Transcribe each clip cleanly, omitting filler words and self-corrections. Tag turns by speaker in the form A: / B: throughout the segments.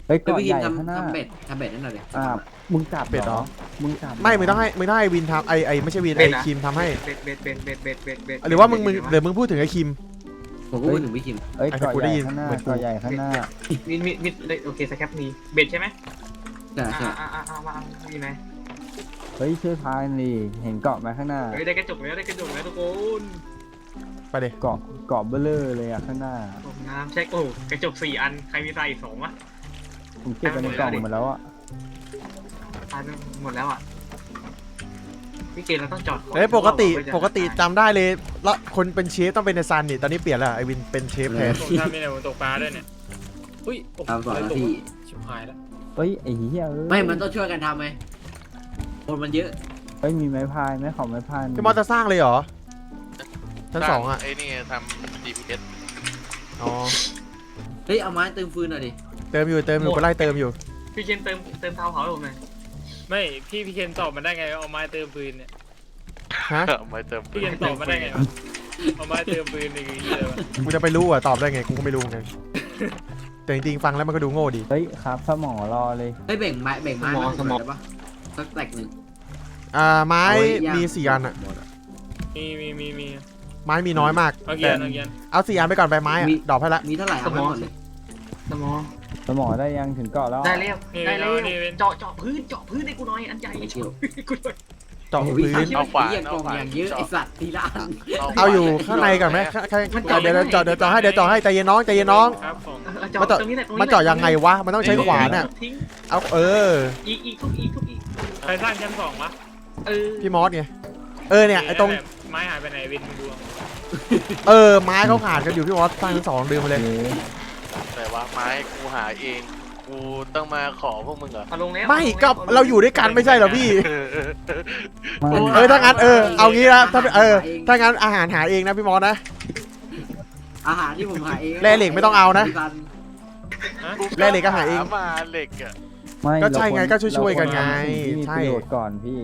A: เฮ้ย
B: เดี๋ยว
A: เกาะ
B: พี่
A: ให
B: กิน
A: ญ่ข้างหน้า
B: ทำเบ็ดนั่นหน่อยเลย
A: มึงจับ
C: เป็ดเหรอ
A: มึงจับ
C: ไม่มึงต้องให้วินทำไอไม่ใช่วินไอคิมทำให้
D: เบ็ด
C: หรือว่าหรือมึงพูดถึงไอคิม
B: ผมก็พูดถึงพี่คิม
A: เฮ้ย
C: ไอ้
A: เกาะ
C: กู
A: ให
C: ได้
A: ญ่
C: ยิน
A: ข้างหน้า
C: เหมือนกู
A: เกาะใหญ่ข้างหน้า
D: มิดโอเคสแคปนี้เบ็ดใช่ไหม
B: ใช่ใช่
D: มามีไหม
A: เฮ้ยช่วยพายดิเห็นเกาะไหมข้างหน้า
D: เฮ้ยได้กระจกแล้วทุกคน
C: ไปเลย
A: เกาะเบลเลอร์เลยอะข้างหน้า
D: ผมน้ำเช็คโอ้กระจก4 อันใครมีใส่อีก2วะ
A: ผมเก็บไปในกล่องหมดแล้วอะ
D: ตายไปหมดแล้วอ่ะพี่เกณฑ์เราต้องจอด
C: เฮ้ยปกติจำได้เลยแล้วคนเป็นเชฟต้องเป็นในซันนี่ตอนนี้เปลี่ยนแล้วไอวินเป็นเชฟแทน
E: ผมทำนี่เนี่ยผมตกปลาด้วยเนี่ยอุ้ยโอ้โห
B: ตามก่อนนะ
E: ตก
B: พี่
E: ชิบหายแล้ว
A: เฮ้ยไอ้เหี้ยเอ้ย
B: ไม่มันต้องช่วยกันทำไหมคนมันเยอะ
A: เฮ้ยมีไม้พายไหมขอไม้พาย
C: พี่มอสจะสร้างเลยเหรอชั้น 2อ่ะ
F: ไอ้นี่ทำ GPS
C: อ๋อ
B: เฮ้ยเอาไม้เติมฟืนหน่อยดิ
C: เติมอยู่ไปไล่เติมอยู่
D: พี่เกณฑ์เติมเตาเผาให้ผมหน่อย
E: ไม่พี่เคนตอบมันได้ไงว่าเอาไม้เติมปืนเนี่ย
C: ฮะ
F: ไม่เติม
E: พี่เคนตอบมันได้ไงวะเอาไม้เติมปืนนี่คือเหี้ยอะไรวะ
C: กูจะไปรู้อ่ะตอบได้ไงกูก็ไม่รู้ไงแต่จริงๆฟังแล้วมันก็ดูโง่ดี
A: เฮ้ยครับสมอรอเลย
B: เฮ้ยแบ่งไม้มาสมองได้ปะสักแตกหนึ่ง
C: ไม้
B: เอาไว้ย่าง
C: มี4 อันอ่ะ
E: มี
C: ไม้มีน้อยมาก
E: เอาเกียนเอาเกียน
C: เอา4 อันไปก่อนไปไม้อ่ะดอกให้ละ
B: มีเท่าไหร่เอาไปหมดเลย
D: สมอง
A: สมอได้ยังถึงเกาะแล้ว
D: ได้แล้วเจาะพื้นให้กูหน่อยอันใหญ่
B: ไม่เกี่ยว
D: กูหน่อย
C: เจาะ
B: โอ้
C: พื้
B: ย
C: น
F: เอาขวาน
B: เหี้ยกล่องอย่างเยอะไอสัตว์ทีละอัน
C: เอาอยู่ข้างในก่อนไหมเดี๋ยวเจาะให้ใจเย็นน้องใจเย็นน้อง
E: ครับผม
D: เจาะตรงนี้แหละ
C: มันเจาะยังไงวะมันต้องใช้ขวานอ่ะ
D: ทิ้ง
C: เอา
D: อีกทุกอีก
E: ใครสร้างชั้น2วะ
C: พี่มอสไงเนี่ยไอ้ตรง
E: ไม้หายไปไหนวินมึงดู
C: ไม้เขาขาดกันอยู่พี่มอสสร้างทั้ง2ลืมไปเลย
F: แต่ว่าไม้กูหาเอง กูต้องมาขอพวกมึงเหรอ
D: มาลงแล้ว
C: ไม่ก็เราอยู่ด้วยกันไม่ใช่เหรอพี่
A: ไม่
C: ถ้างั้นเอางี้นะถ้างั้นอาหารหาเองนะพี่มอสนะ
B: อาหารที่ผมหาเอง
C: แร่เหล็กไม่ต้องเอานะ
F: กู
C: แร่เหล็กก็หาเอง
F: มาเหล็กอ่ะ
A: ไม่
C: ก็ใช่ไงก็ช่วยๆกันไง
A: ที่มี
C: ใช่
A: ประโยชน์ก่อนพี่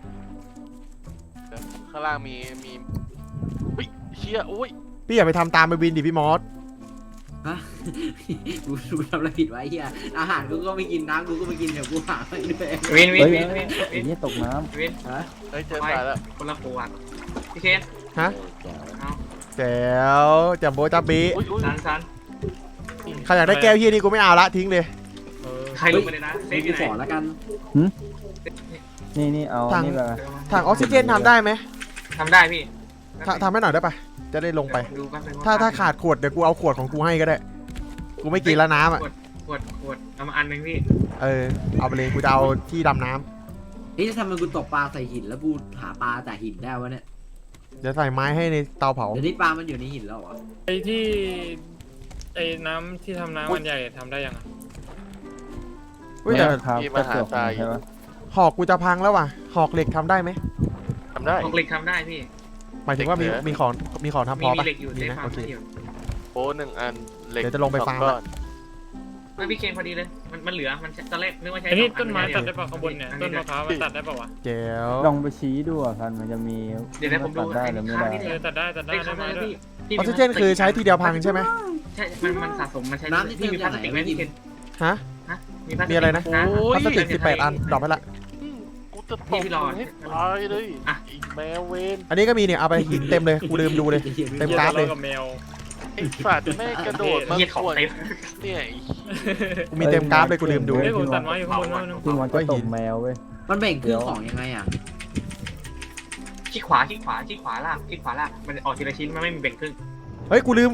F: ข้างล่างมีอุ้ยเชี่ยอุ้ย
C: พี่อย่าไปทำตามไปวินดิพี่มอส
B: ฮะกูทำอะไรผิดไว้เฮียอาหารกูก็ไม่กินน้ำกูก็ไม่กินเดี๋ยวกูหาไปด้วย
D: วิน
A: เฮ้ยไอ้เหี้ยตกน้
D: วิน
B: ฮะ
F: เฮ้ยเจอตายแล้ว
D: คนละขวดพี่เคน
C: แจ๋วจับโบจับบี
F: อุ้ยอุ้ย
D: ซัน
C: ใครอยากได้แก้วเฮียนี่กูไม่เอาละทิ้งเลย
E: เออ
D: ใครลงไปเลยนะเซฟ
B: กู
D: ที่ไห
B: ขอน แล้วกัน
A: ำนี่เอา
C: ทาง
A: นี่ไป
C: ถังออกซิเจนทำได้ไหม
D: ทำได้พี่
C: ทำให้หน่อยได้ปะจะได้ลงไป
D: ดูแป๊บนึง
C: ถ้าขาดขวดเดี๋ยวกูเอาขวดของกูให้ก็ได้ กูไม่กินแล้วน้ำอ่ะ
D: ขวดเอามาอันนึงพี่
C: เอาไปเลยกูจะเอาที่ดำน้ำ
B: เฮ้ยจะทำไมกูตกปลาใส่หินแล้วกูหาปลาจากหินได้วะเนี่ย
C: เดี๋ยวใส่ไม้ให้ในเตาเผา
B: เดี๋ยวนี้ปลามันอยู่ในหินแล้วเหรอ
E: ไอ้ที่ไอ้น้ำที่ทำน้ำมันใหญ่ทำได้ยังอ่ะ
C: เฮ้ยแต่
A: ครับกระจกใช่ปะ
C: หอกกูจะพังแล้วว่ะหอกเหล็กทำได้ไหม
F: ทำได้
D: ออกเหล็กทำได้พี่
C: หมายถึงว่ามีของทำพ
D: มี
C: อปะ
D: เหล็กอยู่
C: มี
D: เซฟ
C: นะ
D: ฟาร์
C: โอ
D: ม
C: เค
D: อยู่
F: โอ้1 อันเหล็ก
C: เดี๋ยวจะลงไปฟาร์ม
F: 2 ก้อน
D: ไม่พี่เคนพอดีเลยมันเหลือมันตอนแรกนึกว่าใช้
E: ไอ้นี่ต้นไม้ตัดได้ป่ะข้างบนเนี่ยต้นมะพร้าวมันตัดได้ป่ะวะ
C: แจ๋ว
A: ลองไปชี้ดูอ่ะกันมันจะมี
D: เดี๋ยวผมดู
A: ตัดได้หรือไม่ได้
E: เออตัดได้
D: ได้
E: ได้
D: ครับ
E: ไม้
D: ได้
E: ด้วย
D: พี่
C: ออกซิเจนคือใช้ทีเดียวพังใช่ไหม
D: ใช่มันสะสมมันใช้
B: น้ำที่
D: พี่
B: เติม
D: มีพ
B: จา
D: ลาก ส
B: ไหน
D: ติกไหม
B: ไม่
D: พี่
B: กิ
D: เคน น
C: ฮะ
D: พลาสติก
C: มีอะไรนะ
F: โอ้ย
C: พลาสติก18 อันดอกไปละ
F: กูจะตบมึงให้ตายเลยอีแมวเวน
C: อันนี้ก็มีเนี่ยเอาไปหินเต็มเลยกูลืมดูเลย เต็มกราฟเลย
E: กับแมว
F: ไอ้สัตว์แม่งกระโดดมา
D: เหี้ยของ
F: ขวน
D: เต็ม
F: เนี่ย
C: กูมีเต็มกราฟเลยกูลืมดู
E: เฮ้ยผมตัดไม้อยู่ข้างบนแล้วนึง
A: ที่มันก็ตกแมวเว้ย
B: มันแบ่งครึ่งของยังไงอ่ะ
D: คลิกขวาลากมันออกทีละชิ้นมันไม่มีแบ่งครึ่ง
C: เฮ้ยกูลืม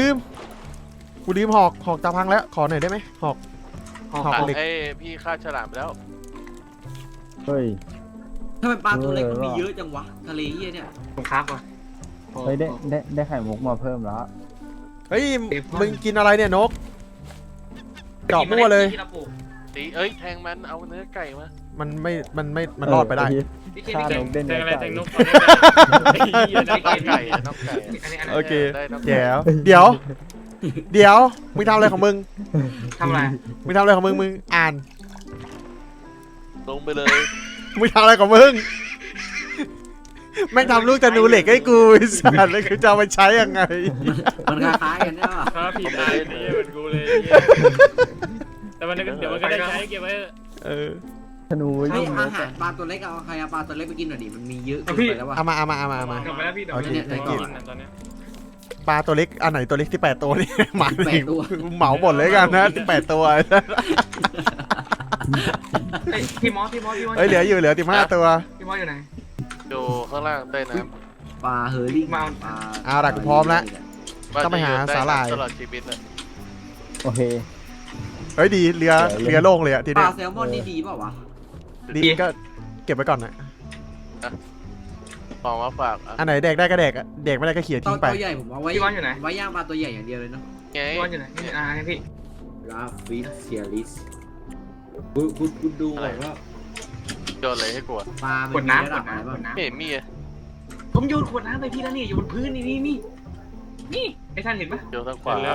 C: หอกจะพังแล้วขอหน่อยได้ไหมหอก เหล็ก
F: ไอ้พี่ฆ่าฉลามไปแล้ว
A: เฮ้ย
B: ทำไมปลาตัวเล็กมันมีเยอะจังวะทะเลเฮียเนี่ย
D: ผมครับว่ะ
A: เฮ้ยได้ไข่มุกมาเพิ่มแล้ว
C: เฮ้ยมึงกินอะไรเนี่ยนกเจาะมั่วเลย
F: ตีแทงมันเอาเนื้อไก่มา
C: มันรอดไปได้
D: พี่เคน
A: ฆ่า
D: พี่เคน
A: นกเด่น
E: แทงอะไร
A: ไก่
E: แทงนกไอ้เหี้ย
F: น้
E: ได้
F: อง
E: ไก่
F: ไก่น้องไก่
D: อันนี้
C: โอเค
F: ได้น้องไก่
C: แจ๋วเดี๋ยวมึงทำอะไรของมึง
D: ทำอะไร
C: มึงทำอะไรของมึงอ่าน
F: ลงไปเลย
C: มึงทำอะไรของมึงแม่งทำลูกธนูเหล็กให้กูไอ้สัตว์แล้วกูจะเอาไปใช้ยังไง
B: มันคล้ายๆกันใช่ปะ
E: ครับผิดได้ไอ้เหี้ยเหมือนกูเลยแต่มันก็ได้ใช้เก็บไว้
A: ธนู
B: เฮ้ย
A: ยิง
B: อาหารปลาตัวเล็กเอาใครเอาปลาตัวเล็กไปกินหน่อยดิมันมีเยอะเกินไปแล้วว่ะ
C: เอามา
D: กลับมาแล้วพี่เดี๋ยว
C: โอเค
B: เนี่ย
C: thank
E: กิ
C: you
E: นตอนเนี้ย
C: ปลาตัวเล็กอันไหนตัวเล็กที่8ตัวนี่ หมา
B: แปดตัว
C: เหมาหมดเลยกันนะ8ตัว
D: พี่มอส
C: เฮ้ยเหลือ15ตัว
D: พี่มอสอยู่ไหน
F: อยู่ข้างล่างใต้น้
B: ปลาเฮอร์รี่
D: มา
B: ปลา
C: เอาล่ะกูพร้อมแล้ว
F: ำ
C: ต้องไปหา
F: ว่จะอยู่ใต้
C: สาหร่าย
F: น้ำตลอดชีวิตเลย
A: โอเค
C: เฮ้ยดีเรือโล่งเลยอะที
B: ป
C: เนี้
B: ลาย แซลมอนนี่ดีเปล่าวะ
C: ดีก็เก็บไว้ก่อนนะ
F: ของมาฝากอ่ะ
C: อันไหนแดกได้ก็แดกอะแดกไม่ได้ก็เขี่ย
B: ตั
C: ทิ้
B: ว
C: งไป
B: ใหญ่ผมเอาไว้ไว้ย่างปลาตัวใหญ่อย่างเดียวเลยเนาะ
F: ไง
D: พี่มอสอยู่ไหนนี่พี่
B: ลาฟิสเซียลิสคุณดูก่อนว่า
F: โยนอะไรให้กูอะ
B: ปลา
D: ข
B: มั
D: วด
B: นมี
D: น้ำ
B: ระดับอะไรบ้าง
F: ไม่เห็นมีอะ
D: ผมโยนขวดน้ำไปพี่แล้วนี่อยู่บนพื้นนี่ไอ้ท่านเห็นปะ
F: โยนทางข
E: เสร็
F: วา
E: จแล้ว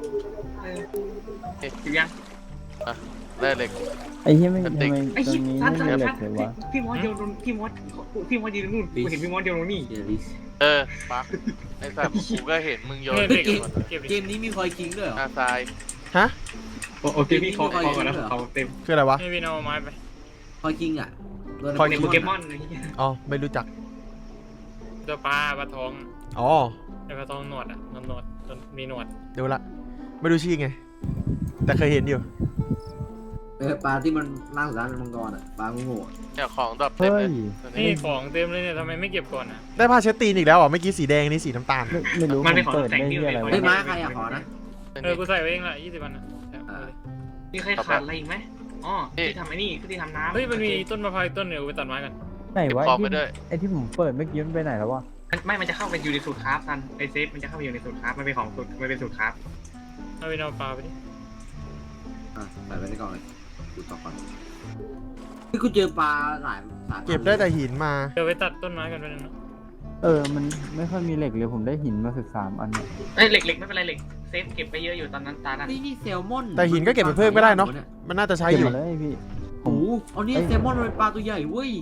D: ถึงยัง
F: ได้เหล็ก
A: ไอ้เหี้ยไม่ทำไม
D: ไอ้
A: ตร
D: ชิ
A: งนี้
D: ท่าน
A: ไม่มีเหล็กเลยวะ
D: พี่มอสโยนพี่มอสยืนนู่นกูเห็นพี่มอสโยนนี่
B: เซียลิส
F: ปักไอ้สัตว์กูก็เห็นมึงโยน
E: เนี่ย
F: เหล็
E: เด็
F: ก
E: ก
F: หมด
E: เก็บ
B: เกมนี้มีคอยคิงด้วยเหรอ
F: อาทราย
D: โอเคพี่ขอก่อนนะเขาเต็ม
C: คืออะไรวะ
E: ให้พี่เอาไม้ไป
B: คอยคิงอ่ะ
C: คอย
D: เต็ม
C: คิ
D: โป
C: ง
D: เกมอน
C: อ๋อไม่รู้จัก
E: ตัวปลาทอง
C: อ๋อ
E: ไอ้ปลาทองหนวดอ่ะหนวดมีหนวด
C: ดูละไม่รู้ชื่อไง แต่เคยเห็นอยู่
B: ปลาที่มันล่างสุดท้ายเป็นมังกรอ่ะปลาโง่
F: เนี่ยของดรอปเต็ม
A: เฮ้
F: เลย ย
E: นี่ของเต็มเลยเนี่ยทำไมไม่เก็บก่อนอ่ะ
C: ได้ผ้าเช็ดตีนอีกแล้วเหรอเมื่อกี้สีแดงนี่สีน้ำตาล
A: ไม่รู้ผมเปิดได้ที่อะไร
B: ๆเฮ้ยว
A: ะ
B: ม้าใครอ่ะขอนะ
E: กูใส่ไว้เองละ20 วันนะ
D: มีใครขาดอะไรอีกไหมอ๋อที่ทำไอ้นี่ที่ทำน้ำ
E: เฮ้ยมันมีต้นมะพร้าวต้นเดียวไปตัดไม้กัน
A: ไหนวะ
F: ของไปด้วย
A: ไอ้ที่ผมเปิดเมื่อกี้มันไปไหนแล้ววะ
D: มันจะเข้าไปอยู่ในสูตรคราฟทันไอเซฟมันจะเข้าไปอยู่ในสูตรคราฟมันเป็นของสูตรมันเป็นสูตรคราฟ
E: เอาไปเอาปลาไปดิ
B: ใส่ไปในกล่องเลยดูต่อก่อนคือกูเจอปลาหลายสายพันธุ์
C: เก็บได้แต่หินมา
E: เดี๋ยวไปตัดต้นไม้กันไปนึงนะ
A: มันไม่ค่อยมีเหล็กเลยผมได้หินมา13 อันเนี่ย
D: เอ้ยเหล็กไม่เป็นไรเหล็กเซฟเก็บไปเยอะอยู่ตอนนั้นตานั้น
B: นี่แซลมอน
C: แต่หินก็เก็บไปเพิ่มก็ได้เนาะ มันน่าจะใช้
A: เก็บ
C: อยู่
A: มาเลยพี่
B: โอ้โหเอานี่แซลมอนมันเป็นปลาตัวใหญ่เว้ย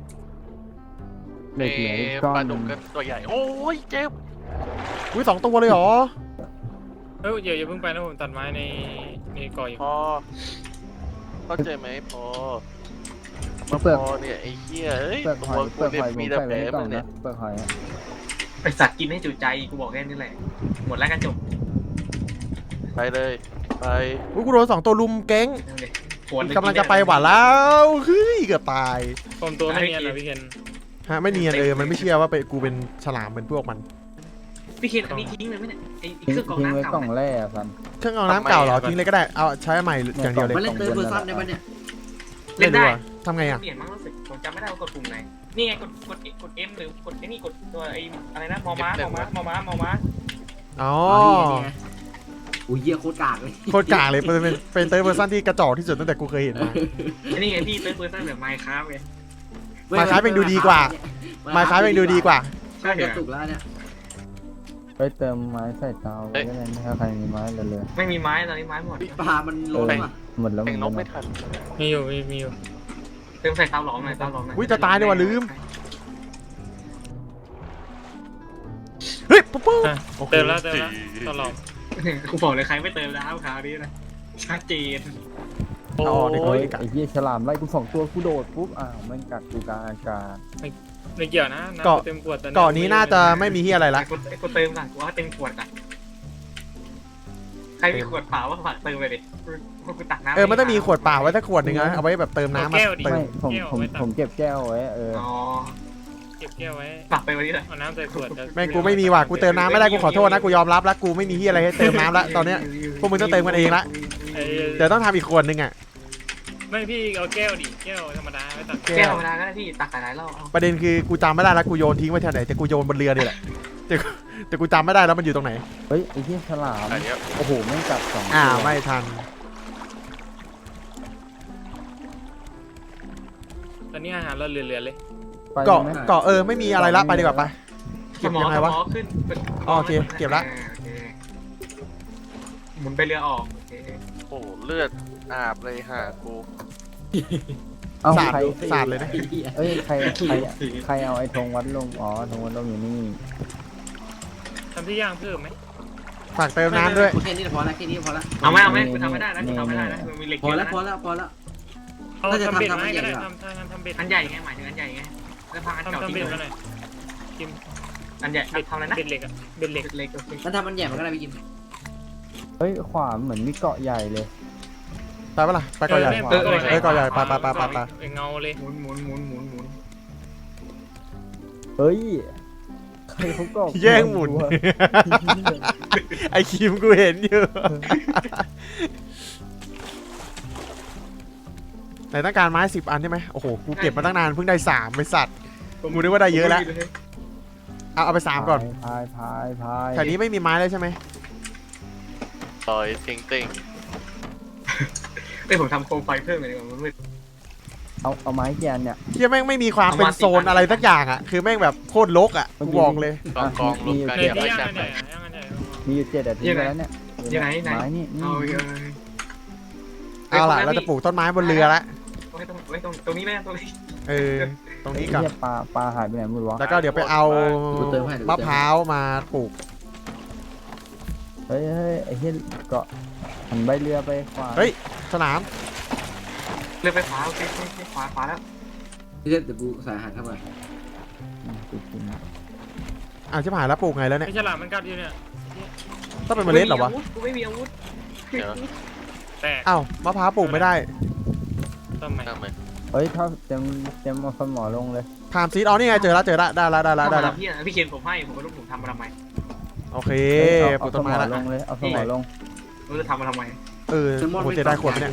A: เหล็กเหลืออีกก้อ
F: ปลาน
A: ห
F: ดุ
A: นึ่
F: ก
A: ง
F: ก็ตัวใหญ่ โอ้ยเจ็บ
C: อุ้ย2 ตัวเลยเหรอ
E: เฮ้ยอย่าเพิ่งไปนะผมตัดไม้ในก่ออยู่
F: พอเข้าใจไหมพอ
A: เปลือก
F: พอเนี่ยไอ้เหี้ยเอ้ย
A: เปลือก
F: ตั
A: ห
F: ว
A: อย
F: กู
A: เปลือก
F: เนี่
A: ห
F: ย
A: อยผม
F: มีแต่
A: ใส่
F: แผล
A: ไว้ในกล่อง
F: มึงเนี่ย
A: นะเปลือกหอยอะ
D: ไอสัตว์กินให้จุใจกูบอกแค่นี้แหละหมดแล้วกันจบ
F: ไปเลยไป
C: อุ้ยกูโดน2 ตัวลุมแก๊ง
D: ขวด
C: กำลังจะไปหวานแล้วเฮ้ยเกือบตาย
E: ผมตัวไม่เนียนนะพี่เคน
C: ฮะไม่เนียนมันไม่เชื่อว่ากูเป็นฉลามเหมือนพวกมัน
D: พี่เคนอันนี้ทิ้งเลยไหมเนี่ยไอ
A: ทิ้ง
D: เครื่องกรอง
A: ทิ้งไว้
D: น้ำเก่าก
A: ล่องแร่อะสัน
C: เครื่องเอาน้ำเก่าเหรอทิ้งเลยก็ได้เอาใช้ใหม่อย่างเดียวเลย
B: มันเล่นเติร์ดเพอร์ซันได้ปะเนี่ย
D: เล่นได้
C: วะทำไงอ่ะ
D: เปลี่ยนมั้งรู้สึกผมจำไม่ได้ว่ากดปุ่มไหนนี่ไงกด M หรือกดไอ้นี่กดตัวไอ้อะไรนะมอม้า
C: อ๋อ
B: อุ้ยเยี่ยโคตรกากเลย
C: โคตรกากเลยเป็นเตอร์เวอร์ชันที่กระจอกที่สุดตั้งแต่กูเคยเห็นมา
D: ไอ้นี่ไงพี่เติร์ดเพอร์ซันแบบไมค์ครับไง
C: มาคล้ายเป็นดูดีกว่า มาคล้ายเป็นดูดีกว่า
B: ใช่กระตุกแล้วเนี่ย
A: ไปเติมไม้ใส่เตาไว้ก็ได้ถ้าใครมีไม้เหลือ
D: ไม่มีไม้ตอนนี้ไม้หมด
B: ปลามันล้นอ่ะ
A: หมดแล้ว
F: แข่งนกไม่ทัน
E: มีอยู่มีอยู่
D: เติมใส่เตาหลอมหน่อยเตาหลอมหน่อย
C: อุ้ยจะตายเลยว่ะลืมเฮ้ยปุ๊บ
E: อ่ะเติมแล้วตลอด
D: กูบอกเลยใครไม่เติมแล้วคราวนี้นะชัดเจน
C: เอาออกดีกว่า
A: ไอ้เหี้ยฉลามไล่กู2 ตัวกูโดดปุ๊บแม่งกัดกูกลางอากาศ
E: ไม่เกี่ยวนะน้ำเต็มขวด
C: เกาะนี้น่าจะไม่มีที่อะไรละ
D: กูเติมก่อนกูว่าเต็มขวดก่อนใครมีขวดเปล่าว่าฝากเติมไปดิกูตักน้ำ
C: มันต้องมีขวดเปล่าไว้สักขวดหนึ่งนะเอาไว้แบบเติมน้ำมาเติม
A: ไม่ผมเก็บแก้วไว้
D: อ๋อ
E: เก็บแก้วไว้
D: ฝากไปวันนี้เลย
E: เอาน้ำใส่ขวด
C: แม่งกูไม่มีว่ะกูเติมน้ำไม่ได้กูขอโทษนะกูยอมรับแล้วกูไม่มีที่อะไรให้เติมน้ำละตอนเนี้ยพวกมึงต้องเติมกันเองละเดี๋ยวต้องทำอีกขวดหนึ่งอ่ะ
E: ไม่พี่เอาแก้วดิแก้วธรรมดาไม่ตัก
D: แก้วธรรมดาก็ได้พี่ตักหลายรอบ
C: ประเด็นคือกูจำไม่ได้แล้วกูโยนทิ้งไว้ที่ไหนแต่กูโยนบนเรือนี่แหละแต่กูจำไม่ได้แล้วมันอยู่ตรงไหน
A: เฮ้ยไอ้เหี้ยฉลาม
F: อันเนี้ย
A: โอ้โหแม่งกัด2 ตัว
C: ไม่ทัน
E: ตอนนี้อาหารเราเหลือเลย
C: เกาะไม่มีอะไรละไปดีกว่าไปเก็บยังไงวะ
D: ขึ้น
C: อ๋อโอเคเก็บละ
D: หมุนไปเรือออก
F: โอ้เลือดอาบเลยหากู
A: เอา
C: สาด
A: ใคร
C: สาดเลยนะ
A: เอ้ยใครเอาไอ้ธงวัดลมธงวัดลมอยู่นี่
E: ทำที่ย่างเพิ่มไหม
C: ฝากเติมน้ำด้วย
B: แค่นี้พอละแค่นี้พอละ
D: เอาไหมกูทำไม่ได้นะกูทำไม่ได้นะมีเหล็ก
B: พอละพอละพอละ
E: เอา
B: น่าจะ
E: ทำเบ็ด
B: ทำ
E: มาให้ก็ได้
B: ทำ
E: ทำทำเบ็ด
D: อันใหญ่ไงหมายถึงอันใหญ่ไงแล้วพังอันเก่า
E: ทำ
D: ทิ้ง
E: เบ็ด
D: เล
E: มาย หน่อยกิม
D: อันใหญ่ทำอะไรนะ
E: เบ็ดเหล็กอะเบ็ดเหล็ก
D: เล็กโอเค
B: มันทำมันใหญ่มันก็ได้ไปกิน
A: เฮ้ยขวาเหมือนมีเกาะใหญ่เลย
C: ไปปะล่ะไปก่อนใหญ่ไปก่อนใหญ่ไป
E: เงาเลย
D: หมุน
A: เฮ้ยใครเขาเกาะ
C: แย่งหมุน
A: วะ
C: ไอคิมกูเห็นอยู่ไหนต้องการไม้10 อันใช่ไหมโอ้โหกูเก็บมาตั้งนานเพิ่งได้3ไปสัตว์กูนึกว่าได้เยอะแล้วเอาไป3ก่อน
A: พาย
C: แถวนี้ไม่มีไม้เลยใช่ไหม
F: ต่อยติงติง
D: ผมทำโคมไฟเพิ่มเลยดีกว่ามันมืด
A: เอาไม้แกนเนี่ย
C: เที่ยแม่งไม่มีความเป็นโซนอะไรสักอย่างอ่ะคือแม่งแบบโคตรรกอ่ะกูบอกเลย
F: กองรวมกัน
E: เบ็ด
F: อย่า
E: ที่
F: ไป
E: ย่าง
F: จับ
E: กัน
F: ไป
E: ใหญ่ย่างกันใหญ่
A: มีอยู่7 อาทิตย์แล้วเนี่ย
D: ยังไงไหน
A: ไม้นี่
C: เอาล่ะเราจะปลูกต้นไม้บนเรือละ
D: ตรงนี้ไหมตรงนี้
C: ตรงนี้ก่อน
A: เหี้ยปลาหายไปไหนหมดวะ
C: แล้วก็เดี๋ยวไปเอามะพร้าวมาปลูก
A: เฮ้ยไอ้เหี้ยเกาะหันใบเรือไปขวา
C: เฮ้ยสนาม
D: เรือไฟฟ้าโอเคขวาแล้ว
B: เดี๋ยวกูใส่อาหารเข้าไป
C: ชิบหายแล้วปลูกไงแล้วเนี่ย
E: ไอ้ฉลามมันกัดอยู่เนี่ย
C: ต้องเป็นเมล็ดเหรอวะ
D: กูไม่มีอาวุธ
F: เดี๋ยว
E: แตก
C: อ้าวมะพร้าวปลูกไม่ได้
E: ทำไม
F: ทำไม
A: เฮ้ยถ้าเต็มเอาสมอลงเลย
C: พามซีดอ๋อนี่ไงเจอแล้วได้แล้ว
D: พี่เคนผมให้ผมก็รู้ผมทำมาทำไม
C: โอเคปลูกต้นไม้ละ
A: ลงเลยเอาสมอลง
D: รู้จะทำมาทำไม
C: โหจะได้ขวดไหมเนี่ย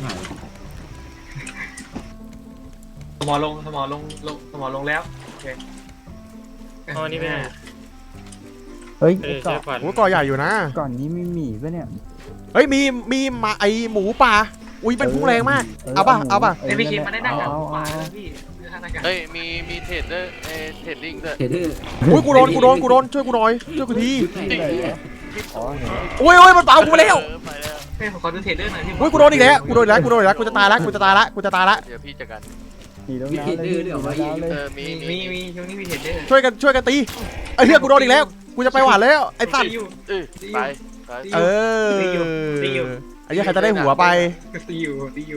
D: สมอลงแล้วโอเค
E: เอาอันนี้ไปไหน
A: เฮ้ย
E: เอ
A: ไอ้
E: อใช่
A: เกาะ
E: ขวัญ
C: โอ้ก่อใหญ่อยู่นะ
A: ก่อนนี้มีหมีปะเนี่ย
C: เฮ้ยมีมาไอหมูป่าอุ้ยเป็นพุ่งแรงมากเอาป่ะ
D: ไอพี่เคนมาได้หน้ากากขวาแล้วพี่หน้ากาก
F: เฮ้ยมีเทรดด้วยเทรดดิ้งด้วย
B: เห็นเด้อ
C: อุ้ยกูโดนช่วยกูหน่อยช่วยกูที
B: ชุดไหนเนี่ย
A: อ๋อเห็นแล้ว
C: โอ้ยมันเป่ากูแล้ว
F: ไปแล้ว
D: เฮ้ยผมขอดูเทรดเดอร์หน่อยพี่
C: อุ้ยกูโดนอีกแล้วกูจะตายละ
F: เดี๋ยวพี่จัดการ
A: ขี่ลงน้ำเลยขี่ลงน้ำเลย
F: มี
D: มีช่วงนี้มีเทรดเดอร์
C: ช่วยกันตีไอ้เหี้ยกูโดนอีกแล้วกูจะไปหวานแล้วไอ้สัตว์
F: ไป
C: เออไอ้เหี้ยใครจะได้หัวไป
D: ตีอยู่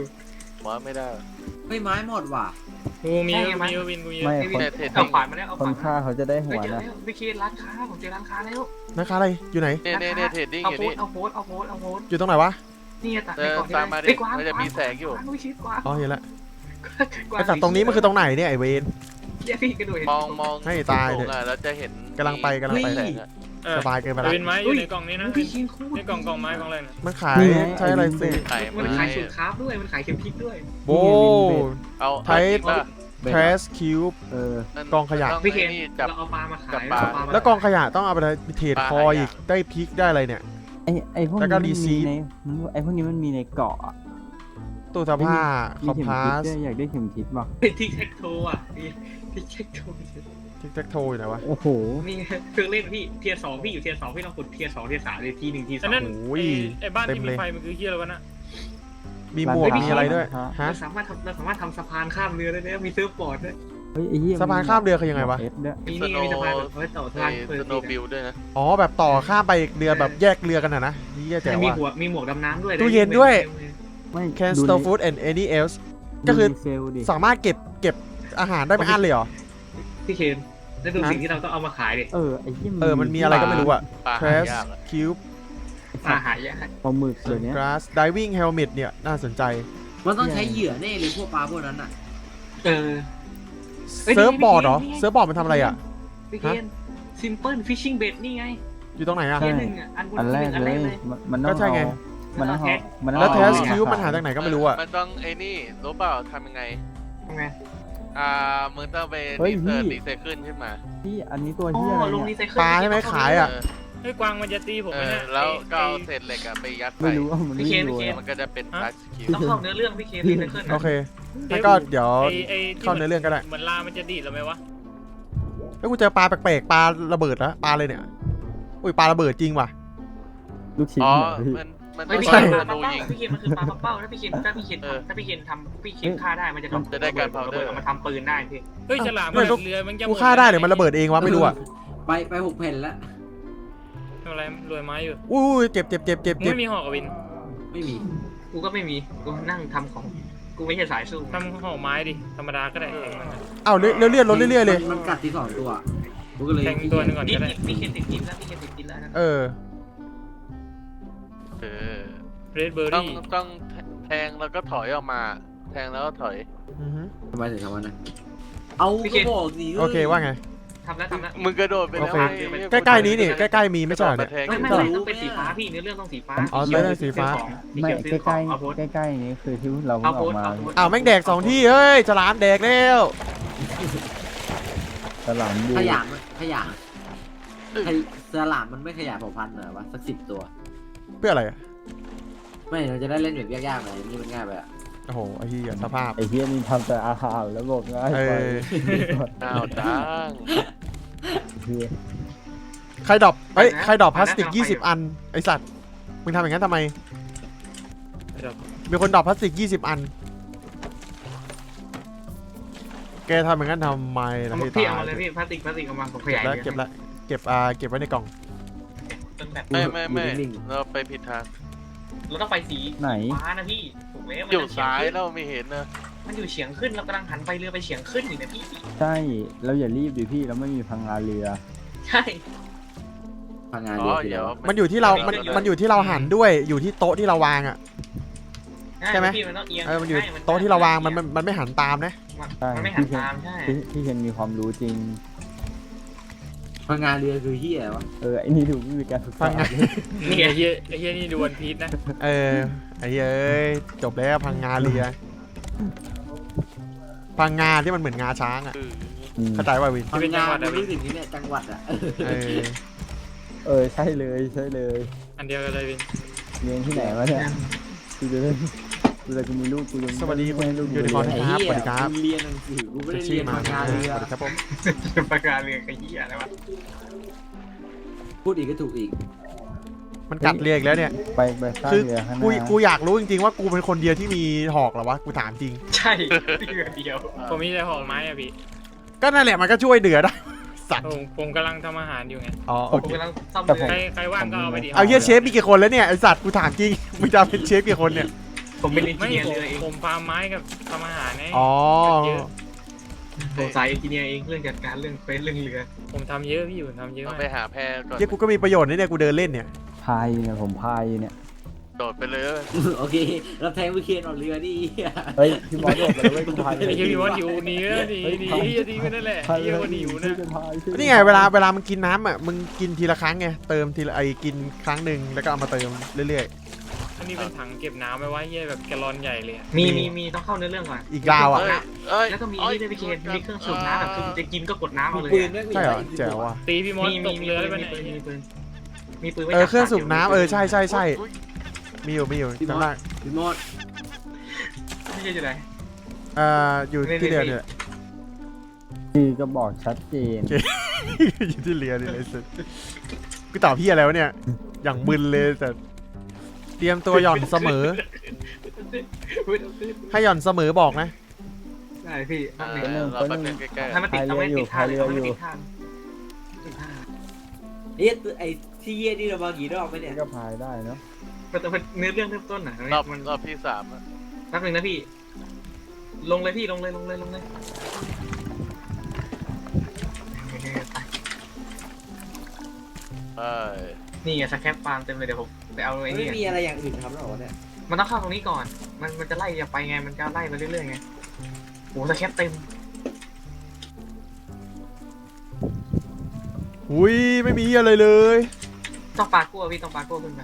F: หมอไม่ได้
B: ไม่ไม้หมดว่ะ
E: กูมีวินกูมี
A: ไม่
F: เทรด
D: เอา
F: ดิ้ง
D: ขวานมาแล้วเอา
A: คน
D: ขวาน
A: ฆ่าเขาจะได้หั
D: เฮ้ยว เจอ
A: นะ
D: แล้วพี่เคนร้านค้าผมเจอร้านค้าแล้ว
C: นะคะอะไรอยู่ไหน
F: เนี่ยเทรดดิ้ง
D: เอา
F: อยู่
D: โพ
F: นี่
D: สเอาโพส
C: อยู่ตรงไหนวะ
D: นี่ตัด
F: เอ
D: ใน
F: อก
D: ล่อง
F: ตามมาดิมันจะมีแสงอยู่
D: ไม่ชิดกว่า
C: อ๋อเห็นแล้วไอ้สัตว์ตรงนี้มันคือตรงไหนเนี่ยไอ้เวน
D: เดี๋ยวพี่กระโดด
F: มอง
C: ให้ตายเถอะ
F: แล้วจะเห็น
C: กำลังไป
F: แสงอะ
C: สบายเกินไปละ
E: วินไม้อยู่ในกล่องนี้นะ
D: พี่เคนคู่
E: ในกล่องไม้กล่องอะไรนะ
C: มันขายใช้อะไรสิ
F: ไข่
D: มัน
F: ไม้
D: ขายสูตรคราฟด้วยมันขายเข็มพริกด้วย
C: โบ
F: เอา
C: ไทป์ แคสคิวบ
A: เออ
C: กองขยะ
D: พี่เคน
F: จับ
D: เราเอาปลามาขาย
C: แล้วกองขยะต้องเอาไปเทรดคออีกได้พริกได้อะไรเนี่ย
A: ไอ้พวก
C: แล้ว
A: นี้
C: ก็
A: มัน
C: รีซี
A: มี
C: ฟ
A: ในไอ้พวกนี้มันมีในเกาะอะ
C: ตู้เสื้อผ้าค
A: มี
C: อม
A: เข็ม
C: พา
A: ทิศ
C: ส
A: ด้วยอยากได้เข็มทิศป่ะ
D: เป็นทิกแท็กโทอ่ะทิกแท็กโท
C: ทิกแท็กโทอยู่ไหนวะ
A: โอ้โห
D: นี่เครื่องเล่นพี่เทียร์สองพี่อยู่เทียร์สองพี่ต้องกดเทียร์สองเทียร์สามเลยทีหนึ่งทีส
E: อั
D: อน ง
E: นั้น
C: โอ้ย
E: ไอ้บ้าน
C: เต็
E: ที่
C: ม
E: มี
C: เลย
E: ไฟมันคือเฮียอะไรวะน่ะ
C: มีหมวกมีอะไรด้วยฮะ
D: เราสามารถทำสะพานข้ามเรือได้แล้วมีเซิร์ฟบอร์ดด้วย
A: เฮ้ยไอ้เหี้ย
C: สะพานข้ามเรือคือยังไงวะ
A: เอฟด้วย
D: มีนี่ไงมีสะพานแบบไว้ต่อสะพานเปิด
F: สโนบิลด้วยนะ
C: อ๋อแบบต่อข้ามไปอีกเรือแบบแยกเรือกันนะนี่แจ๋ว
D: มี
C: ว่ะ
D: หมวกดำน้ำด้วย
C: ตู้เย็นด้วย
A: ไม่
C: can store food and any else ก็คือ
A: ดูในเซลล์ดิ
C: สามารถเก็บอาหารได้ไม่อั้นเลยเหรอ
D: พี่เคนแล้วดูสิ่งที่เราต้องเอามาขายดิ
A: ไอ้เหี้ย
C: มันมีอะไรก็ไม่รู้อะ
F: ปลาหา
C: Trash
F: ยากอะ
C: Cube
D: อาหารยาก
A: ปลาหมึกเลยเนี้ย
C: Grass Diving Helmet เนี่ยน่าสนใจ
B: มันต้องใช้เหยื่อแน่เลยพวกปลาพวกนั้นอ่ะ
D: เอ้ย
C: เซิร์ฟบอร์ดเหรอ
D: นี่ไง
C: เซิร์ฟบอร์ดมันทำอะไรอ่ะ
D: พี่เคนซิมเพิลฟิชชิ่งเบ็ดนี่ไง
C: อยู่ตรงไหนอ่ะ
D: เทียร์หนึ่งอ่ะอัน
A: แรก
D: อัน
A: เล
D: แร
A: ย
D: กเลย
A: มันต้
C: ก็
A: อง
C: ใช่ไง
A: มันต้องเอามันต้อง
C: แล้ว
A: เอา
C: Trash
A: เอา
C: Cube มันหาจากไหนก็ไม่รู้อ่ะ
F: มันต้องไอ้นี่รู้เปล่าทำยังไง
D: ทำไง
F: มึงต้องไป
A: เฮ้ย
F: รีไซเคิลขึ้นมา
A: พี่อันนี้ตัว
D: อ๋อ
A: เหี้ยอะไร
D: ลง
A: เนี่ย
D: รีไซเคิล
C: ปลาใช่ไหมขายอะ
E: ไอ้กวางมันจะตีผมไหมเนี่ย
F: แล้วก็เอาเศษเหล็กอะไปยัด
A: ไม่
F: ใส่
A: รู้ว่ามันไม่รู้อะ
F: มันก็จะเป็นพลาสติก
D: ต้องเข้าเนื้อเรื่องพี่เคนรีไซเคิล
C: โอเคงั้นก็เดี๋ยว
E: ไอ้ที่
C: เข้าเนื้อเรื่องก็ได้
E: เหมือนลามันจะดีดเราไหมวะ
C: แล้วกูเจอปลาแปลกๆปลาระเบิดแล้วปลาอะไรเนี่ยอุ้ยปลาระเบิดจริงว่ะ
A: ลูกชิ้น
F: อ๋อ
A: เนี่ยพี่
F: มัน
D: ไม่
F: ต้อง
D: พี่
F: ใช้
D: เคน
F: ธ
D: ปลา
F: นู
D: เป้า
F: ยิง
D: พี่เคนมันคือปลาเป้าถ้าพี่เคนฆ่าได้มันจะทำ
F: จะได้การเผาเดอร์
D: มาทำปืนได้พี่
E: เฮ้ยฉลาม
C: ไม่
E: มัน
C: ต้อง
E: เรือมันจะ
C: กูฆ่าได้เดี๋ยวมันระเบิดเองวะไม่รู้อ่ะ
B: ไป6 แผ่นแล้ว
E: ทำอะไรรวยไม้อยู่
C: อุ้ยเจ็บเจ็บเจ็บเจ็บ
E: มึง
C: เจ็บ
E: ไม่มีหอกกับวิน
B: ไม่มี
D: กูก็ไม่มีกูนั่งทำของกูไม่ใช่สายสู้
E: ทำหอกไม้ดิธรรมดาก็ได้แทงมันอะ
C: อ้าวเลื่อนลดเรื่อยๆเลย
B: มันกัดที่2 ตัวกูก็เลย
E: แทงตัวหนึงก่อน
D: นี่
E: ก็ได้
D: พี่เคนติดกินแล้วพี่เคนติดกินแล้วนะ
C: เออ
F: เออ
E: เรดเบอร์
F: ต้อง
E: รี่
F: ต้องแทงแล้วก็ถอยออกมา แทงแล้วก็ถอย
C: อือฮึ
B: ทำไมถึงทำวันนั้นเอาก็บอกสิ
C: โอเคว่าไง
D: ทำแล้ว
F: มึงกระโดดไปแล้ว
C: โอเค
F: ไอ้
C: ใกล้ๆนี้นี่ใกล้ๆมีไม่ใช่เหรอเนี่ย
F: แทง
D: ไม่ต้องเป็นสีฟ้าพี่เนื้อเรื่องต้องสีฟ้า
C: อ๋อไม่ได้สีฟ้า
A: ไม่ใกล้ๆใกล้ๆนี้คือที่เราเพิ่
D: เอา
A: งอ
D: โพ
A: อ
D: ส
A: กมา
D: เอาโพส
C: อ้าวแม่งแดก2ที่เฮ้ยฉลามแดกแล้ว
A: ฉลามดู
B: ขยะมันขยะสลามมันไม่ขยะเผ่าพันธุ์เหรอวะสัก10 ตัว
C: เพื่ออะไรอะ
B: ไม่เราจะได้เล่นแบบยากๆหน่อยนี่มันง่ายไปอะ
C: โอ้โหไอ้เหี้ยสภาพ
A: ไอ้เฮียนี่ทำแต่อาหารแล้วบอกง่าย
C: เอ
A: ไป
C: อ
F: อ้าวจ้าง
A: เฮีย
C: ใครดรอปเอ้ยใครดรอปพลาสติก20 อันไอสัตว์มึงทำอย่างนั้นทำไม
E: เดี๋ยว
C: มีคนดรอปพลาสติก20 อันแกทำอย่างนั้นทำไมล่ะให้
D: พี่
C: ตา
D: เอามาย เลยพี่พลาสติกเอามาผมขยาย
C: แล้วเก็บแล้วเก็บไว้ในกล่อง
D: ต้นแบบ
F: ไม่เราไปผิดทาง
D: เราต้องไปสี
A: ไหน
D: ฟ้านะพี่ถูกแล้ว
F: อยู่ซ้ายเราไม่เห็นนะ
D: มันอยู่เฉียงขึ้นเรากำลังหันไปเรือไปเฉียงขึ้นอยู่นะพี่
A: ใช่เราอย่ารีบดิพี่เราไม่มีพังงาเรือ
D: ใช่
B: พังงาน
F: อ๋
B: เดี
F: อ
B: ยวที
F: เดี๋
B: เดี
F: ย
B: ยว ว
C: มันอยู่ที่เรามันอยู่ที่เราหันด้วยอยู่ที่โต๊ะที่เราวางอ่ะ ใช่ไหม
D: พี่มันต้องเอียง
C: มันอยู่โต๊ะที่เราวางมันไม่หันตามนะ
D: มันไม่หันตามใช่
A: พี่เคนมีความรู้จริง
B: พังงานเรือคือเฮียวะ
A: ไอ้นี่ถูกไม่มีการศึก
C: พั
A: ษาง
C: งา
E: นี่ไอ้เฮียนี่ดูวันพีชนะ
C: เออไอ้เอ้ยจบแล้วพังงาเรือพังงาที่มันเหมือนงาช้างอ่ะ
A: อืม
C: เข้าใจว่าวิน
B: พังงานมันรู้สึกนี่เนี่ยจังหวัดอะ
C: เออ
A: ใช่เลย
E: อันเดียวกันเลยวิน
A: เรียนที่ไหนวะเนี่ยกูจะเล่นกูจะมีลูกกูยัง
C: สวัสดีคุณ
A: ให้ลูก
C: ยูนิคอร์น
B: ไอ้
C: ครับ
B: เหี้
C: สวัสดีครับ
B: กูเรียนหนังสือกูไม่ได้
C: ชื่
B: เรี
C: อย
B: น
C: มา
B: พังงานเรือ
C: สวัสดีครับผม
D: ปากกาเรือขยี้อะไรวะ
B: พูดอีกก็ถูกอีก
C: มันกัดเรียอีกแล้วเนี่ย
A: ไปสร้าง
C: คือ
A: เรือข้างห
C: กู
A: น้า
C: กูอยากรู้จริงๆว่ากูเป็นคนเดียวที่มีหอกเหรอวะกูถามจริง
D: ใช่เรือเดียว
E: ผมมีแต่หอกไม้อะพี่
C: ก็นั่นแหละมันก็ช่วยเดือได้ สัตว์
E: ผมกำลังทำอาหารอยู่ไง
C: อ๋อ
D: ผ
C: โอ
D: ม
C: เค
D: กำลังซ่อม
A: แต่
D: เรือ
E: ใครว่างก็เอาไปดิ
C: เอาเฮียเชฟมีกี่คนแล้วเนี่ยไอสัตว์กูถามจริงมึงจะเป็นเชฟกี่คนเนี่ย
D: ผมเป็นเอนจิ
E: ไม่
D: เนียร์
E: ผม
D: เรือเอง
E: ผมฟาร์มไม้กับทำอาหารไง
C: อ๋อ
E: เยอะ
D: ผมสายเอนจิเนียร์เองเรื่องจัดการเรื่องเฟซเรื่องเรือ
E: ผมทำเยอะพี่ผมทำเยอะ
F: เรา
E: มาก
F: ไปหาแพรก่อน
C: เฮียกูก็มีประโยชน์นะเนี่ยกูเดินเล่นเนี่ย
A: พายเนี่ยผมพายเนี่ย
F: โดดไปเลย
B: โอเคเราแทงวิเคนออกเรือดิเหี้ย
A: เฮ้ยพี่มอสบอกไปแล้วไม่กูพาย
E: ไอ้เฮียพี่ว่าหิวหนีนะหนีไปนั่นแหละ
A: พาย
E: เฮียว่าหนีอยู่นะ
A: จะพาย
C: นี่ไงเวลามันกินน้ำอ่ะมึงกินทีละครั้งไงเติมทีละกินครั้งหนึ่งแล้วก็เอามาเติมเรื่อย
E: อันนี้เป็นถังเก็บน้ำไว้ไว้เฮียแบบแกลลอนใหญ่เลยอะ
D: มีต้องเข้าเนื้อเรื่องก่อน
C: ๆอีกราวอ่ะ
D: แล้วก็มีนี่ด้วยพี่เคนมีเครื่องสูบน้ำแบบคือจะกินก็กดน้ำเอาเลย
B: ปืนแม่ง
C: ใช่เหรอแจ๋วอ่ะ
E: ตีพี่มอส
D: มี
E: ต
D: มี
E: กเรือได้ปะ
D: มี
E: เนี่ย
D: ปืนมีปืน
C: เครื่องสูบน้ำใช่มีอยู่จำได้
B: พี่มอส
D: ไม่ใช่จุดไหน
C: อยู่ที่เรือเนี่ย
A: คือก็บอกชัดเจน
C: อยู่ที่เรือนี่เลยสุดกูตอบพี่อะไรวะเนี่ยอย่างมึนเลยแต่เตรียมตัวหย่อนเสมอ ให้หย่อนเสมอบอกนะ
D: ได้พี่
F: เราไปเป็นใกล้
D: ให้มันติดเอาไว้ติดท่าเลยให้มันติดท่า
B: เฮ้ยไอ้ที่เยี่ยนี่เรามากี่รอบไหมเนี่ย
A: ก็พายได้เนาะ
D: แต่เนื้อเรื่องเริ่มต้นน่ะ
F: ๆรอบ
D: มัน
F: รอบที่3อะ
D: แป๊บนึงนะพี่ ลงเลยพี่ลงเลย
F: ใช่
D: นี่ไงสแคปฟาร์มเต็มเลยเดี๋ยวผมไปเอาไอ้
B: ไม่
D: นี่
B: มีอะไรอย่างอื่นทำแล้วเหรอเนี่ย
D: มันต้องเข้าตรงนี้ก่อน มันจะไล่อย่าไปไงมันจะไล่ไปเรื่อยๆไงโอ้สแคปเต็ม
C: อุ้ยไม่มีอะไรเลย
D: ต้องปลากั้วพี่ต้องปลากั้วขึ้นไป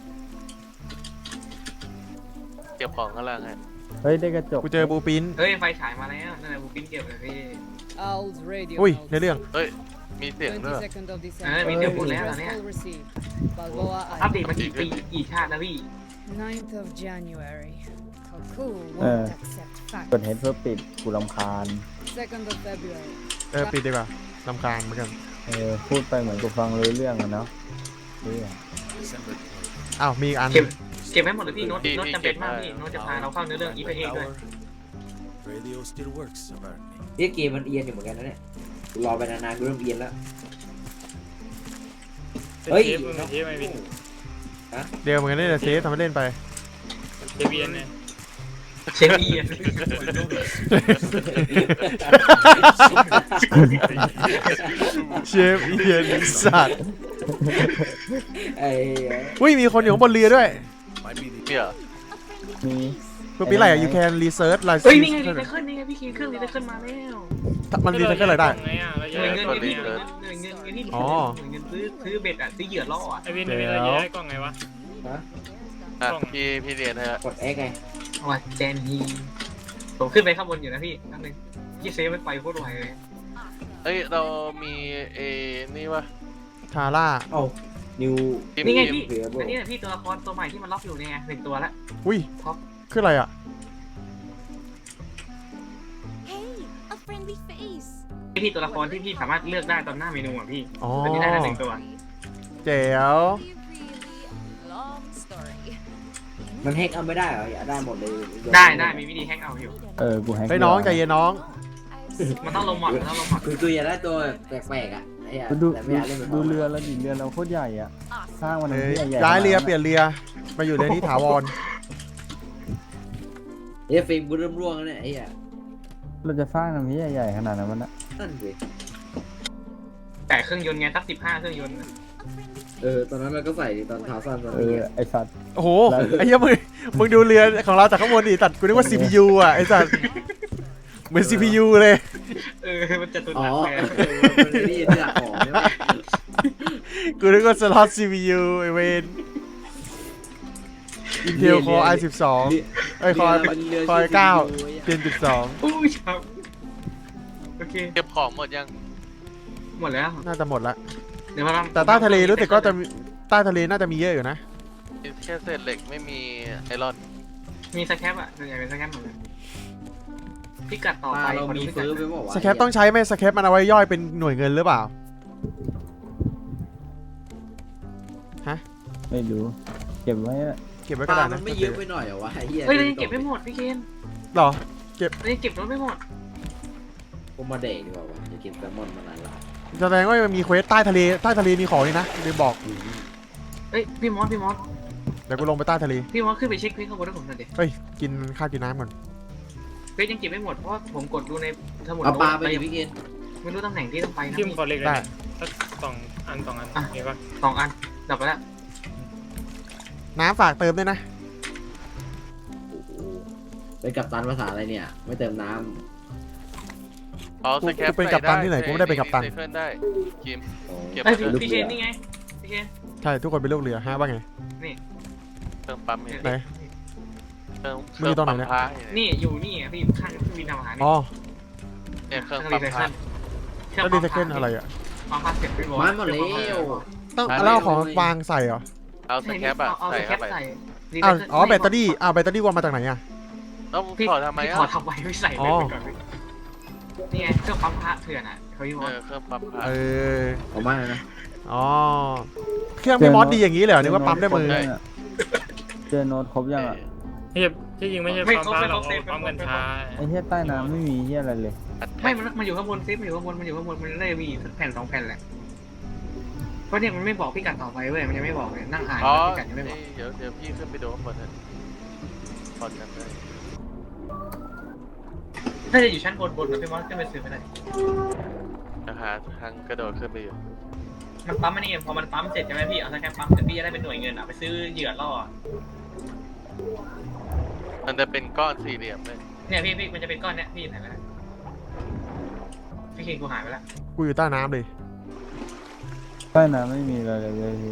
F: เก็บของข้างล่างให้
A: เฮ้ยได้กระจก
C: กูเจอบูปิน
D: เฮ้ยไฟฉายมาแล้วนั่นแหละบูปิ้นเก็บเลยพี่
G: Owl's radio
C: อุ้ย
G: notes.
C: ในเรื่อง
F: มีเสียงด้วย
G: 22nd of December.
D: มีเสียงพูดแล้วตอนเนี้ย
G: All received. Balboa
D: อัปเด
G: Island.
D: ตมากี่ปีกี่ชาติแล้วพี่
G: 9th of January. Kaku
A: Uh.
G: won't accept
A: กด
G: fact.
A: เฮดเพื่อปิดกูรำคาญ
G: 2nd of February.
C: ปิดดีกว่าลำคาญเหมือนกัน
A: พูดไปเหมือนกูฟังรู้เรื่องอะเนาะเฮ้ย
C: อ้าวมีอีกอัน
D: เก็บไว้หมดเลยพี่โน้ตจำเป็นมากพี่โน้ตจะพาเราเข้าเนื้อเรื่องอีพีเองด้วย
H: Radio still works, apparently.
B: เฮ้ยเกมมันเอียนอยู่เหมือนกันนะเนี่ยกูรอไปนานๆกูเริ่มเอียนแล้ว
E: เป็น
B: เฮ้ย
E: เชฟมึงเป็นเชฟไหมวิน
C: เดี๋ยวเหมือนกันนี่แหละเซฟทำให้เล่นไป
E: เชฟเบียนไง
D: เชฟอีน
C: เชฟเอียนสัตว์
B: ไอ้
C: อุ้ยมีคนอยู่ข้างบนเรือด้วย
H: Might be the
F: เนี่ย
A: มี
C: เพื่อปีอะไรอะ you can research
D: เฮ้ยนี่ไงรีไซเคิลนี่ไงพี่คิงเครื่องรีไซเคิลมาแล้ว
C: มันรีไซเคิลอะไรได้
E: ไงอ่ะเรา
D: ห
E: จะ
D: น่วย
E: ได้
D: เงิน
E: กล่อง
D: พี่
E: ไง
D: หน่วย
E: อ่ะ
D: เงินที่
C: อ๋อ
D: หน่วยเงินซื้อเบ็ดอ่ะซื้อเหยื่อล่ออ่ะ
E: ไอวินเราจะได้กล่องไงวะ
F: อ่ะพี่เรียนให้
B: กด X ไง
D: ว่าแจนฮีผมขึ้นไปข้างบนอยู่นะพี่นั่นนึงยี่เซฟมันไปโคตรไวเลย
F: เอ้ยเรามีนี่วะ
C: ทาร่า
B: เอ้านิว
D: นี่ไงพี่
B: เหลือบ่
D: อันนี้แหละพี่ตัวละครตัวใหม่ที่มันล็อกอยู่เนี่ยหนึ่งตัวละ
C: อุ้ย
D: ท็อป
C: คืออะไรอ่ะ
I: Hey, a friendly face.
D: พี่ตัวละครที่พี่สามารถเลือกได้ตอนหน้าเมนูอ่ะพี่
C: อ๋อ
D: ตัวนี้ได้ละหนึ่งตัว
C: เจ๋ว
I: Really long story.
B: มันแฮกเอาไม่ได้เหรออยากได้หมดเลย
D: ได้มีวิธีแฮกเอาอยู่
A: กูแฮก
C: เฮ้ยน้องใจเย็นน้อง
D: มันต้องลงหมอดมันต้องลงหมอด
B: คืออยากได้ตัวแปลกๆอ่ะไอ้อะ
A: ดู
B: แต่ไม่อยากเล่นแบบ
A: ดูเรือแล้วดิเรือเราโคตรใหญ่อ่ะ สร้างมัน
C: เฮ้ย
A: ใหญ่ๆ
C: ย้ายเรือเปลี่ยนเรือมาอยู่เรือนี้ถาวร
B: เฮ้ยฟิล์มกูเริ่มร่วงแล้วเนี่ยไอ้อะ
A: เราจะสร้างทำนี้ใหญ่ๆขนาดนั้นมันนะ
B: นั่นสิ
D: แต่เครื่องยนต์ไงสัก15เครื่องยนต์
B: ตอนนั้นเราก็ใส่ตอนเท้าสั้นตอน
A: เอ
B: นี้
A: อไอสัตว์
C: โอ้โหไอ้เหี้ยมึงดูเรือของเราจากข้างบนดิตัดกูนึกว่า CPU อ่ะไอ้สัตว์เหมือน CPU เลย
D: มันจะตุน
B: อ๋อ
D: หนักเลย
B: มันไม่ได้ยินเรื่องของใช่ไหม
C: กูนึกว่าสล็อต CPU ไอเวน Intel Core i12 เอ้ย Core 9 Gen 12
D: อุ้ยครับโอเค
F: เก็บของหมดยัง
D: หมดแล้ว
C: น่าจะหมดละ
D: เดี๋ยวมาทำ
C: แต่ใต้ทะเลรู้สึกก็จะใต้ทะเลน่าจะมีเยอะอยู่นะ
F: มีแค่เศษเหล็กไม่มีไอรอน
D: มีสแคปอ่ะส่วนใหญ่เป็นสแคปหมดเลยพิกัดต่อ
B: ป
D: ไป
B: ลาเรา
D: ขอดู
B: มี
D: พิกัด
B: ฟื้นไปบอกว่า
C: สแคปต้องใช้ไหมสแคปมันเอาไว้ย่อยเป็นหน่วยเงินหรือเปล่า
A: ไม่รู้เก็บไว้อะ
C: เก็บไว้
B: ป
C: ก็
B: ลา
C: ได้
B: มั
C: นะ
B: นไม่เยอะไปหน่อยเหรอวะไอ้เหี้ย
D: เฮ้ยเรายังเก็บไม่หมดพี่เคน
C: หรอ
D: เรายังเก็บรถไม่หมด
B: ผมมาเด็กดีกว่าวะจะกินแซลมอนมานานละ
C: แสดงว่ามันมีเควสใต้ทะเลมีของนี่นะลืมบอก
D: เอ้ยพี่มอส
C: เดี๋ยวกูลงไปใต้ทะเล
D: ขึ้นไปเช็คเควสข้างบนให้ผมหน่อยดิ
C: เฮ้ยกินข้าวกินน้ำก่อน
D: เควสยังเก็บไม่หมดเพราะว่าผมกดดูในสมุด
B: เอาปลาไป
D: โน้ต
B: ดิพี่เกณฑ์
D: ไม่รู้ตำแหน่งที่ต้องไปนะ
E: ทิม
D: พี่
E: ขอเล็กเลย
C: ได้
E: นะสักสองอันมีปะ
D: 2 อันดับไปแล้ว
C: น้ำฝากเติมด้วยนะ
B: โอ้โหเป็นกัปตันภาษาอะไรเนี่ย ไม่เติมน้
F: อ๋อสแคป
C: กูเป็นกัปตันที่ไหนกูไม่ได้เป็นกัปตัน
F: รีไซเคิลได้คิม
B: ำโอ้
F: เก็บ
D: เอ้ย
F: ไปเลย
D: พี่เคนนี่ไงพี่เคน
C: ใช่ทุกคนเป็นลูกเรือฮะว่าไง
F: เครื่องปั๊มนี่
C: ไหน
F: เครื่อง
C: มึงอยู่ตรงไหนเนี่ย
F: ปั๊มพา
D: นี่อยู่นี่อ่ะพี่ข้างเครื่องบินทำอาหารนี่
C: อ๋อ
F: เนี่ยเครื่อง
D: เครื่อง
F: ปั๊
D: รี
F: ม
D: ไซ
F: พา
D: เคิล
C: แล้วดีเทคเกิลอะไรอ่ะ
D: ปั๊มพาเสร็จไปหมด
B: มันหมดแล้ว
C: ต้องเอาของวางใส่เหรอ
F: เอาสแคปอะ
D: เอา
F: ใส่
D: สแค
F: เข้า
D: ป
F: ไป
D: ใส่
C: อ้าวอ๋อแบตเตอรี่แบตเตอรี่วางมาจากไหนอ่ะ
F: แล้ว
D: พี่
F: ถอดทำไม
D: พี่
F: อ่ะ
D: ถอดทำไมไม่ใส่
C: อ๋
D: เลย
C: อ
D: ไปก่อนพี่นี่ไงเครื่องปั๊มพระเถื่อนอ่ะเขาอยู่
F: เครื่องปั๊มพา
C: เออ
B: ผมว่านะ
C: อ๋อเครื่องพี่มอสดีอย่างนี้เลยเหรอนึกว่าปั๊มด้วยมือ
A: เจอโน้ตครบยังอ่ะ
E: ที่จริงไม่ใช่ปั๊มพาเราปั๊มกัญชา
A: ไอเหี้ยใต้น้ำไม่มีเหี้ยอะไรเลย
D: ไม่มันอยู่ข้างบนซิปมันอยู่ข้างบนมันได้มีสักแผ่น2 แผ่นแหละเพราะเนี่ยมันไม่บอกพิกัดต่อไปเว้ยมันยังไม่บอกเลยนั่งอ่าน
F: อ๋อ
D: พิกัดยังไม่บอก
F: เดี๋ยวพี่ขึ้นไปดูข้างบนนะถอดกันเลย
D: น่าจะอยู่ชั้นบนนะพี่มอสขึ้นไปซื้อไม่ได้
F: จะหาทางกระโดดขึ้นไปอยู่
D: มันปั๊มมันนี่พอมันปั๊มเสร็จใช่ไหมพี่เอาสแกนปั๊มเสร็จพี่จะได้เป็นหน่วยเงินอ่ะไปซื้อเหยื่อล่อ
F: มันจะเป็นก้อนสี่เหลี่ยมเลย
D: เนี่ยพี่มันจะเป็นก้อนเนี้ยพี่ไหนไปแล้วพี่คิงกูหายไปแล้ว
C: กูอยู่ใต้น้ำเลย
A: ใต้น้ำไม่มีอะไรเลยพี่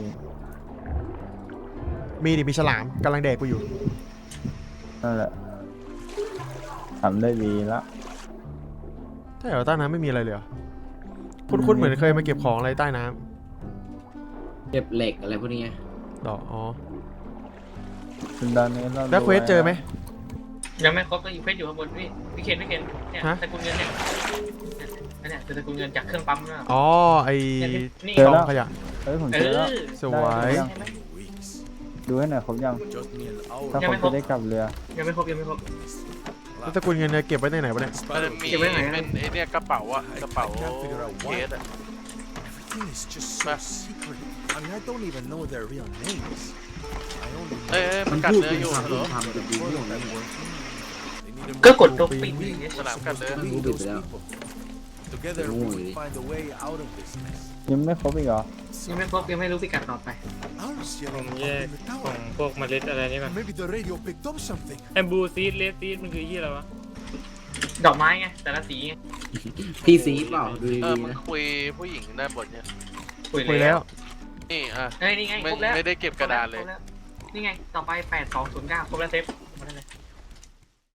C: มีฉลามกำลังแดกกูอยู่
A: นั่นแหละทำได้ดีละ
C: ใช่เหรอใต้น้ำไม่มีอะไรเลยเหรอคุ้นๆเหมือนเคยมาเก็บของอะไรใต้น้
B: เก็บเหล็กอะไรพวกนี้ไง
C: ำดอกอ๋อ
A: เป็นด้านนี้เรา
C: แล้วเควสเจอไหม
D: ยังไม่ครบก็อยู่เควสอยู่ข้างบนพี่เคนเนี่ย
C: ฮะ
D: ตระกูลเงินเนี่ยเนี่ยคือตระกูลเงินจากเครื่องปั๊มนะ
C: อ๋อไอ
D: นี่
C: กองขยะ
A: เฮ้ยผมเจอแล้ว
C: สวย
H: Weeks.
A: ดูให้หน่อยครบยัง
H: Just me an hour.
A: ถ้าครบจะได้กลับเรือ
D: ยังไม่ครบ
C: แล้วตระกูลเงินเนี่ยเก็บไว้ในไหนวะเนี่ย
F: มันจะมี
D: เก็บไว้ไหนอะ
F: เป็นไอเนี่ยกระเป๋าอะกระเป๋าเคสอะ
H: Everything is just so secret. I mean, I don't even know their real names. I only
F: เอ้ย
H: know
F: มันกัดเนื้ออยู่
B: มัน
F: เหร
B: พู
F: อ
B: ดทำเป็นดีที่ของนี่
H: they need a
D: ก็
H: more
D: กดตัวปิด
H: we
D: อย่างเงี้ย
F: สนามกัดเนื้อ
H: to lead those people. Together we
B: Ôi.
H: will find a way out of this mess.
A: ยังไม่ครบอีกเหรอ
D: ยังไม่ครบยังไม่รู้พิกัดต่อไป
H: Ours
E: ผม
H: yelling
E: แย
H: up
E: ก
H: in the
E: ของ
H: tower.
E: พวกเมล็ดอะไรนี่ก่อน
H: Maybe the radio picked up something.
E: ไอ้บลูซีดเลสซีดมันคือยี่อะไรวะ
D: ดอกไม้ไงแต่ละสีไง
B: พี่ซีเปล่าดู
F: เอ
B: ดี
F: อ
B: ๆ
F: มึง
B: นะ
F: คุยผู้หญิงได้บทเนี่ย
C: คุยแล้ว
F: นี่อ่ะ
D: เอ้ยนี่ไง
F: ไม่
D: ครบแล้ว
F: ไม่ได้เก็บกระดาษเลย
D: คบแวนี่ไงต่อไป8209ครบแล้วเซฟ